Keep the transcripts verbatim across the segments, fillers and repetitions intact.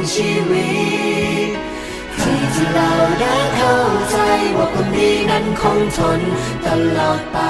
ชีวิตให้ที่เราได้เข้าใจว่าคนดีนั้นคงทนตลอดไป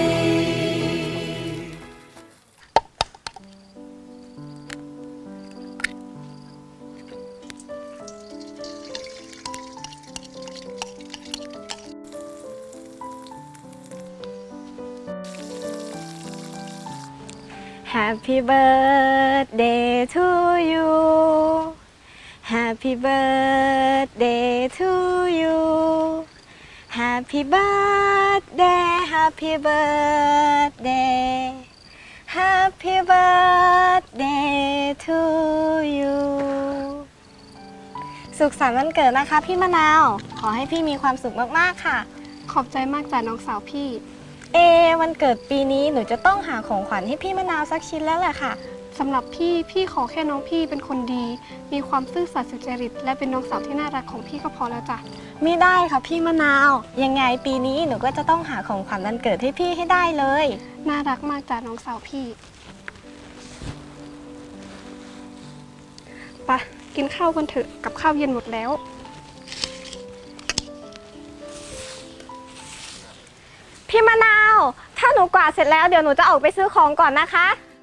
Happy birthday to you Happy birthday to you Happy birthday Happy birthday Happy birthday to you สุขสันต์วันเกิดนะคะพี่มะนาวขอให้พี่มีความสุขมากๆค่ะขอบใจมากจ้ะน้องสาวพี่เอวันเกิดปีนี้หนูจะต้องหาของขวัญให้พี่มะนาวสักชิ้นแล้วแหละค่ะสำหรับพี่พี่ขอแค่น้องพี่เป็นคนดีมีความซื่อสัตย์สุจริตและเป็นน้องสาวที่น่ารักของพี่ก็พอแล้วจ้ะไม่ได้ค่ะพี่มะนาวยังไงปีนี้หนูก็จะต้องหาของขวัญวันเกิดให้พี่ให้ได้เลยน่ารักมากจ้ะน้องสาวพี่ไปกินข้าวกันเถอะกับข้าวเย็นหมดแล้วพี่มะนาวถ้าหนูกวาดเสร็จแล้วเดี๋ยวหนูจะออกไปซื้อของก่อนนะคะ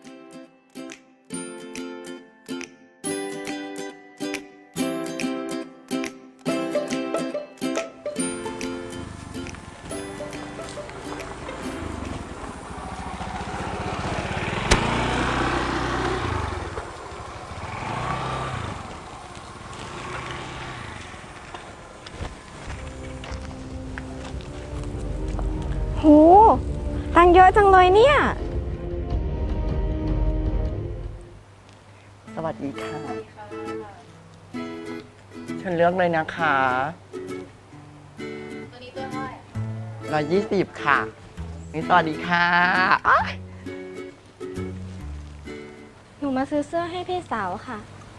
โหตังเยอะจังเลยเนี่ยสวัสดีค่ะฉันเลือกเลยนะคะตัวนี้ตัวเท่าไหร่ร้อยยี่สิบค่ะนี่สวัสดีค่ะหนูมาซื้อเสื้อให้พี่สาวค่ะ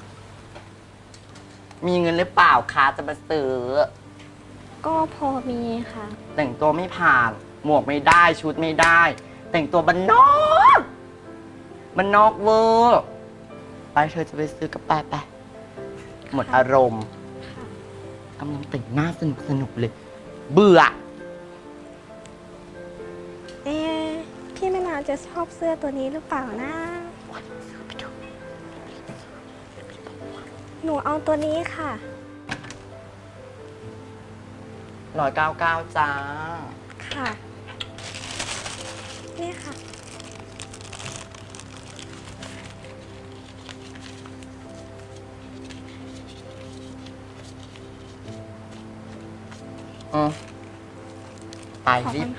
มีเงินหรือเปล่าคะจะมาซื้อก็พอมีค่ะแต่งตัวไม่ผ่านหมวกไม่ได้ชุดไม่ได้แต่งตัวบันนอกบันนอกเวอร์ไปเธอจะไปซื้อกระแปะไปหมดอารมณ์กำลังแต่งหน้าสนุกสนุกเลยเบื่อเอ๊ะพี่มะนาวจะชอบเสื้อตัวนี้หรือเปล่านะหนูเอาตัวนี้ค่ะร้อยเก้าเก้าจ้าค่ะนี่ค่ะอืมไปรีบไป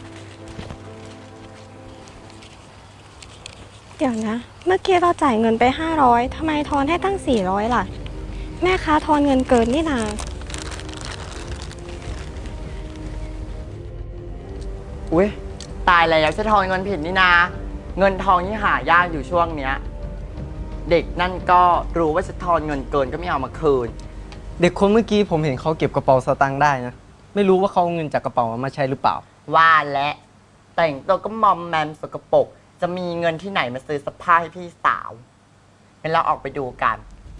เดี๋ยวนะเมื่อกี้เราจ่ายเงินไปห้าร้อยทำไมทอนให้ตั้งสี่ร้อยล่ะแม่ค้าทอนเงินเกินนี่นาอุ้ยตายแล้วจะทอนเงินผิดนี่นาเงินทองนี่หายากอยู่ช่วงเนี้ยเด็กนั่นก็รู้ว่าจะทอนเงินเกินก็ไม่เอามาคืนเด็กคนเมื่อกี้ผมเห็นเขาเก็บกระเป๋าสตางค์ได้นะไม่รู้ว่าเขาเอาเงินจากกระเป๋ามาใช้หรือเปล่าว่าและแต่งตัวก็มอมแมมสกปรกจะมีเงินที่ไหนมาซื้อเสื้อผ้าให้พี่สาวงั้นเราออกไปดูกัน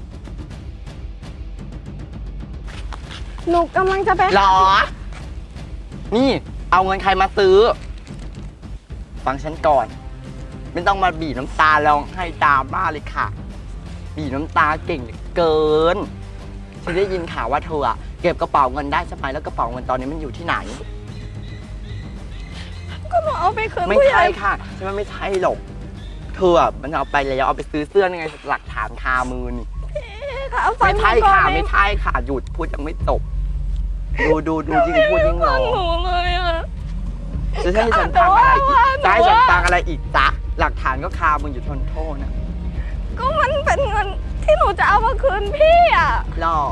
หนูกำลังจะไปหรอนี่เอาเงินใครมาซื้อฟังฉันก่อนไม่ต้องมาบีบน้ำตาร้องไห้ตามบ้าเลยค่ะบีบน้ำตาเก่งเหลือเกินฉันได้ยินข่าวว่าเธออะเก็บกระเป๋าเงินได้ใช่ไหมแล้วกระเป๋าเงินตอนนี้มันอยู่ที่ไหนก็หนูเอาไปคืนไม่ใช่ค่ะฉันว่าไม่ใช่หรอกเธออะมันเอาไปแล้วเอาไปซื้อเสื้อยังไงหลักฐานคามือนี่ไม่ใช่ค่ะไม่ใช่ค่ะหยุดพูดยังไม่จบดูดูดูยิ่งพูดยิ่งร้องหนูเลยอะจะให้ฉันฟังอะไรอีกจะให้ฉันฟังอะไรอีกจ๊ะหลักฐานก็คามึงอยู่ทนโทษนะก็มันเป็นเงินที่หนูจะเอามาคืนพี่อ่ะหรอ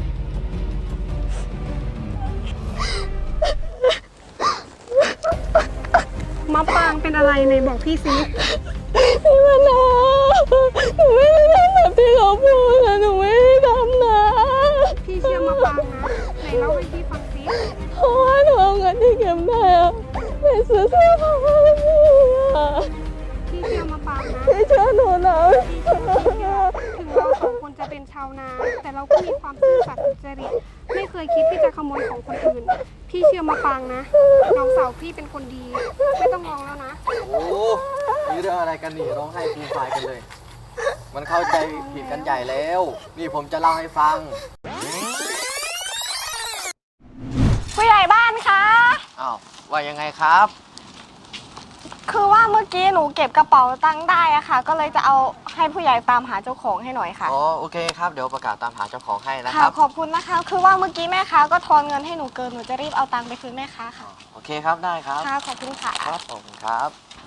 มะปางเป็นอะไรในบอกพี่ซิพี่มะนาวหนูไม่ได้ทำแบบที่เขาพูดนะหนูไม่ได้ทำนะพี่เชื่อมะปางนะไหนเล่าให้พี่ฟังซิเพราะว่าหนูเอาเงินที่เก็บได้อะไปซื้อเสื้อผ้าให้พี่อะพี่เชื่อมะปางนะพี่เชื่อหนูนะถึงเราสองคนจะเป็นชาวนาแต่เราก็มีความซื่อสัตย์สุจริตไม่เคยคิดที่จะขโมยของคนอื่น พี่เชื่อมาปางนะ น้องสาวพี่เป็นคนดี ไม่ต้องร้องแล้วนะโอ้นี่เรื่องอะไรกันนี่ร้องไห้ฟูมฟายกันเลย มันเข้าใจผิดกันใหญ่แล้ว นี่ผมจะเล่าให้ฟังผู้ใหญ่บ้านคะอ้าว ว่ายังไงครับคือว่าเมื่อกี้หนูเก็บกระเป๋าตังค์ได้อะค่ะ ก็เลยจะเอาให้ผู้ใหญ่ตามหาเจ้าของให้หน่อยค่ะอ๋อ โอเคครับ เดี๋ยวประกาศตามหาเจ้าของให้นะคค่ะรับขอบคุณนะคะ คือว่าเมื่อกี้แม่ค้าก็ทอนเงินให้หนูเกิน หนูจะรีบเอาตังค์ไปคืนแม่ค้าค่ะโอเคครับ ได้ครับค่ะ ขอบคุณค่ะครับผมครับ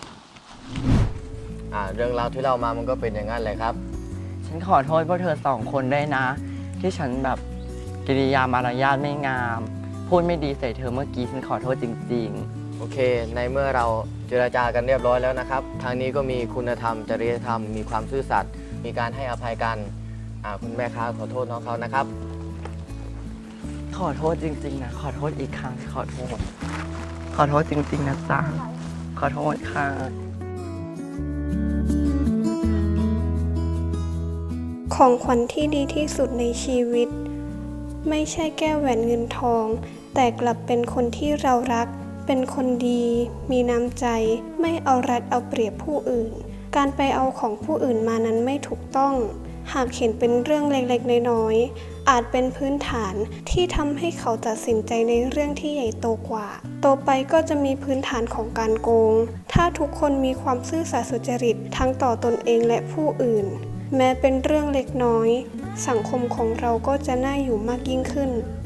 อ่า เรื่องราวที่เล่ามามันก็เป็นอย่างนั้นเลยครับฉันขอโทษพวกเธอสองคนด้วยนะ ที่ฉันแบบกิริยามารยาทไม่งาม พูดไม่ดีใส่เธอเมื่อกี้ฉันขอโทษจริงโอเค ในเมื่อเราเจรจากันเรียบร้อยแล้วนะครับ ทางนี้ก็มีคุณธรรม จริยธรรม มีความซื่อสัตย์ มีการให้อภัยกัน อ่า คุณแม่ค้าขอโทษน้องเขานะครับๆ ขอโทษจริงๆนะ ขอโทษอีกครั้งขอโทษ ขอโทษจริงๆนะจ๊ะ ขอโทษค่ะของขวัญที่ดีที่สุดในชีวิต ไม่ใช่แก้วแหวนเงินทอง แต่กลับเป็นคนที่เรารัก เป็นคนดี มีน้ำใจ ไม่เอารัดเอาเปรียบผู้อื่น การไปเอาของผู้อื่นมานั้นไม่ถูกต้อง หากเห็นเป็นเรื่องเล็กๆน้อยๆอาจเป็นพื้นฐานที่ทำให้เขาตัดสินใจในเรื่องที่ใหญ่โตกว่าโตไปก็จะมีพื้นฐานของการโกง ถ้าทุกคนมีความซื่อสัตย์สุจริตทั้งต่อตนเองและผู้อื่น แม้เป็นเรื่องเล็กน้อย สังคมของเราก็จะน่าอยู่มากยิ่งขึ้น